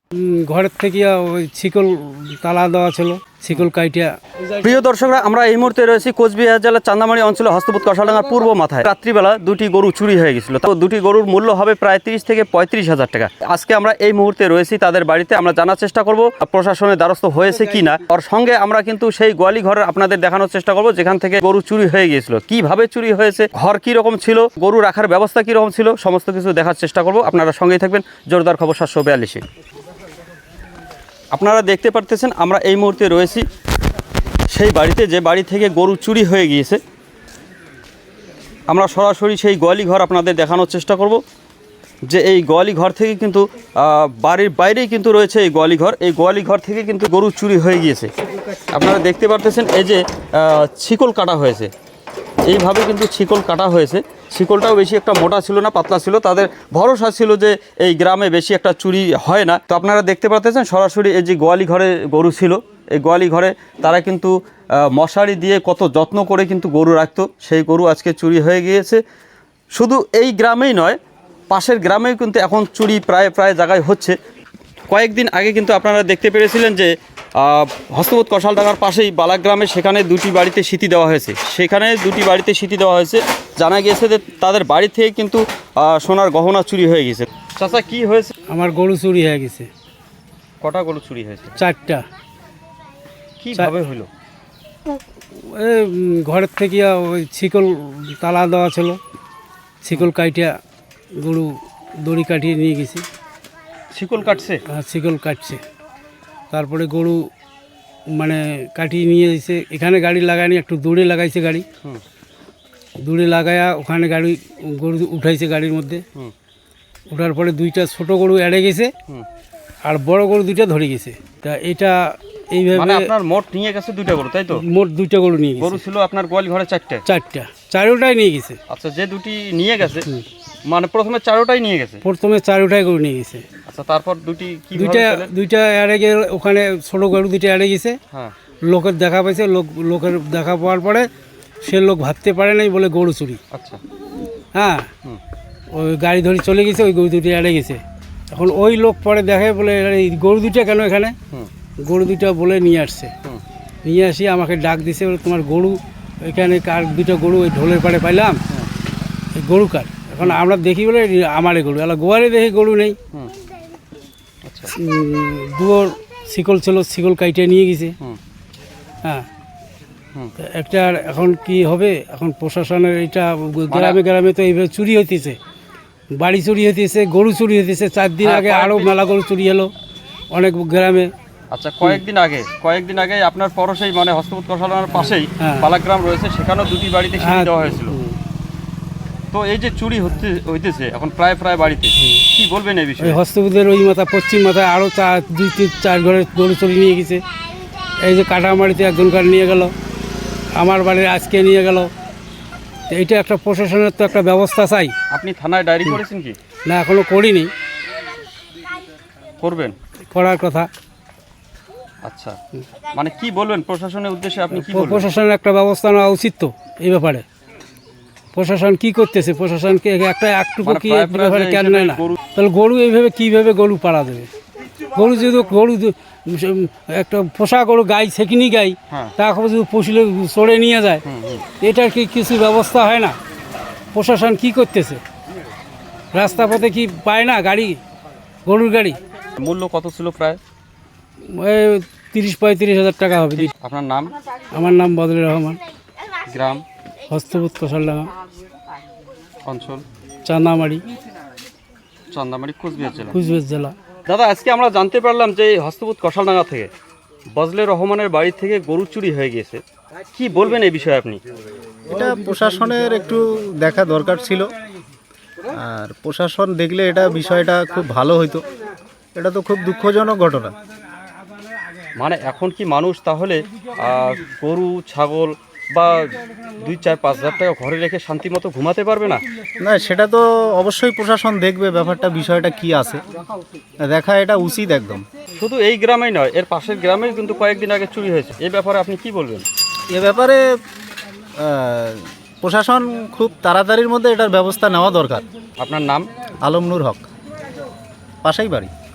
ঘরের থেকে ওই শিকল তালা দেওয়া ছিল, শিকল কাইটিয়া। প্রিয় দর্শকরা, আমরা এই মুহূর্তে রয়েছি কোচবিহার জেলার চান্দামারি অঞ্চলে হস্তপুত কষাডাঙ্গার পূর্ব মাথায়। রাত্রিবেলা দুটি গরু চুরি হয়ে গেছিল। তো দুটি গরুর মূল্য হবে প্রায় 30 থেকে 35,000 টাকা। আজকে আমরা এই মুহূর্তে রয়েছি তাদের বাড়িতে। আমরা জানার চেষ্টা করব প্রশাসনের দ্বারস্থ হয়েছে কি না। ওর সঙ্গে আমরা কিন্তু সেই গোয়ালি ঘরের আপনাদের দেখানোর চেষ্টা করব যেখান থেকে গরু চুরি হয়ে গিয়েছিল, কিভাবে চুরি হয়েছে, ঘর কি রকম ছিল, গরু রাখার ব্যবস্থা কি রকম ছিল, সমস্ত কিছু দেখার চেষ্টা করব। আপনারা সঙ্গেই থাকবেন। জোরদার খবর 742। আপনারা দেখতে পারতেছেন আমরা এই মুহূর্তে রয়েছি সেই বাড়িতে, যে বাড়ি থেকে গরু চুরি হয়ে গিয়েছে। আমরা সরাসরি সেই গোয়ালি ঘর আপনাদের দেখানোর চেষ্টা করব। যে এই গোয়ালি ঘর থেকে কিন্তু বাড়ির বাইরেই কিন্তু রয়েছে এই গোয়ালি ঘর। এই গোয়ালি ঘর থেকে কিন্তু গরু চুরি হয়ে গিয়েছে। আপনারা দেখতে পারতেছেন এই যে শিকল কাটা হয়েছে, এইভাবে কিন্তু শিকল কাটা হয়েছে। শিকলটাও বেশি একটা মোটা ছিল না, পাতলা ছিল। তাদের ভরসা ছিল যে এই গ্রামে বেশি একটা চুরি হয় না। তো আপনারা দেখতে পাচ্ছেন সরাসরি এই যে গোয়ালি ঘরে গরু ছিল, এই গোয়ালি ঘরে তারা কিন্তু মশারি দিয়ে কত যত্ন করে কিন্তু গরু রাখতো। সেই গরু আজকে চুরি হয়ে গিয়েছে। শুধু এই গ্রামেই নয়, পাশের গ্রামেও কিন্তু এখন চুরি প্রায় জায়গায় হচ্ছে। কয়েকদিন আগে কিন্তু আপনারা দেখতে পেরেছিলেন যে হস্তপুত কষালডাঙ্গার পাশেই বালাগ্রামে সেখানে দুটি বাড়িতে সিটি দেওয়া হয়েছে। সেখানে দুটি বাড়িতে সিটি দেওয়া হয়েছে। জানা গিয়েছে যে তাদের বাড়ি থেকে কিন্তু সোনার গহনা চুরি হয়ে গেছে। চাচা, কি হয়েছে? আমার গরু চুরি হয়ে গেছে। কটা গরু চুরি হয়েছে? 4টা। কিভাবে হলো? ঘরের থেকে ওই শিকল তালা দেওয়া ছিল, শিকল কাইটিয়া গরু দড়ি কাটিয়ে নিয়ে গেছি। শিকল কাটছে? শিকল কাটছে, তারপরে গরু মানে কাটিয়ে নিয়ে এসে এখানে গাড়ি লাগায়নি, একটু দূরে লাগাইছে গাড়ি। দূরে লাগায়া ওখানে গাড়ি গরু উঠাইছে গাড়ির মধ্যে। ওঠার পরে 2টা ছোট গরু এড়ে গেছে আর বড় গরু 2টা ধরে গেছে। তা এটা এইভাবে মানে আপনার মোট নিয়ে গেছে 2টা গরু, তাই তো? মোট 2টা গরু নিয়ে গেছে। গরু ছিল আপনার গোয়ালি ঘরে 4টা? 4টা, 4টাই নিয়ে গেছে। আচ্ছা, যে দুটি নিয়ে গেছে মানে প্রথমে 4টাই নিয়ে গেছে? প্রথমে 4টাই গরু নিয়ে গেছে। আচ্ছা, তারপর দুইটা এড়ে গেলে ওখানে ছোট গরু 2টা এড়ে গেছে। হ্যাঁ, লোকের দেখা পাইছে, লোকের দেখা পাওয়ার পরে সে লোক ভাবতে পারে নাই বলে গরু চুরি। আচ্ছা, হ্যাঁ, ওই গাড়ি ধরে চলে গেছে, ওই গরু 2টা এড়ে গেছে। এখন ওই লোক পরে দেখে বলে এই গরু 2টা কেন এখানে? গরু 2টা বলে নিয়ে আসছে। নিয়ে আসি আমাকে ডাক দিছে, বলে তোমার গরু এখানে কার? 2টা গরু ওই ঢোলের পাড়ে পাইলাম, এই গরু কার? এখন আমরা দেখি বলে আমারে গরু, আলা গোয়ারে দেখি গরু নেই। দুয়োর শিকল ছিল, শিকল কাইটে নিয়ে গেছে। হ্যাঁ, একটা এখন কি হবে? এখন প্রশাসনের এটা গ্রামে গ্রামে তো এইভাবে চুরি হইতেছে, বাড়ি চুরি হইতেছে, গরু চুরি হইতেছে। 4 দিন আগে আরও মেলা গরু চুরি হলো অনেক গ্রামে। আচ্ছা, কয়েকদিন আগে আপনার পরশেই মানে হস্তপুত কষালডাঙ্গার পাশেই বালাগ্রাম রয়েছে, সেখানেও দুটি বাড়িতে সিটি দেওয়া হয়েছিল। তো এই যে চুরি হইতেছে এখন প্রায় বাড়িতে, কি বলবেন এই বিষয়ে? হস্তপুতের ওই মাথা পশ্চিম মাথায় আরও 2-3-4 ঘরের গরু চুরি নিয়ে গেছে। এই যে কাটামারিতে একজনকার নিয়ে গেল, আমার বাড়ির আজকে নিয়ে গেল। এইটা একটা প্রশাসনের তো একটা ব্যবস্থা চাই। আপনি থানায় ডায়েরি করেছেন কি? না, এখনো করিনি, করবেন? করার কথা। আচ্ছা, মানে কি বলবেন প্রশাসনের উদ্দেশ্যে? আপনি কি বলবেন? প্রশাসনের একটা ব্যবস্থা নেওয়া উচিত তো এই ব্যাপারে। প্রশাসন কি করতেছে? প্রশাসনকে একটুকু কি ব্যাপারে কেন নেয় না? তাহলে গরু এইভাবে কীভাবে গরু পাড়া দেবে? গরু যদি একটা পোষা গরু গাই, সেকিনি গাই, তারপর যদি পশুলে চড়ে নিয়ে যায়, এটার কি কিছু ব্যবস্থা হয় না? প্রশাসন কি করতেছে? রাস্তা পথে কি পায় না গাড়ি, গরুর গাড়ি? মূল্য কত ছিল? প্রায় 30-35 হাজার টাকা হবে। আপনার নাম? আমার নাম বদলুর রহমান। গ্রাম? হস্তপুত কষালডাঙ্গা, অঞ্চল? চান্দামারি, কোচবিহার জেলা। জেলা। দাদা, আজকে আমরা জানতে পারলাম যে এই হস্তপুত কষালডাঙ্গা থেকে বজলুর রহমানের বাড়ি থেকে গরু চুরি হয়ে গিয়েছে। কি বলবেন এই বিষয়ে আপনি? এটা প্রশাসনের একটু দেখা দরকার ছিল, আর প্রশাসন দেখলে এটা বিষয়টা খুব ভালো হইতো। এটা তো খুব দুঃখজনক ঘটনা। মানে এখন কি মানুষ তাহলে গরু ছাগল বা 2-4-5 হাজার টাকা ঘরে রেখে শান্তি মতো ঘুমাতে পারবে না? না, সেটা তো অবশ্যই প্রশাসন দেখবে ব্যাপারটা, বিষয়টা কি আছে দেখা এটা উচিত একদম। শুধু এই গ্রামেই নয়, এর পাশের গ্রামেও কিন্তু কয়েকদিন আগে চুরি হয়েছে। এই ব্যাপারে আপনি কি বলবেন? এ ব্যাপারে প্রশাসন খুব তাড়াতাড়ির মধ্যে এটার ব্যবস্থা নেওয়া দরকার। আপনার নাম? আলম নূর হক, পাশেই বাড়ি।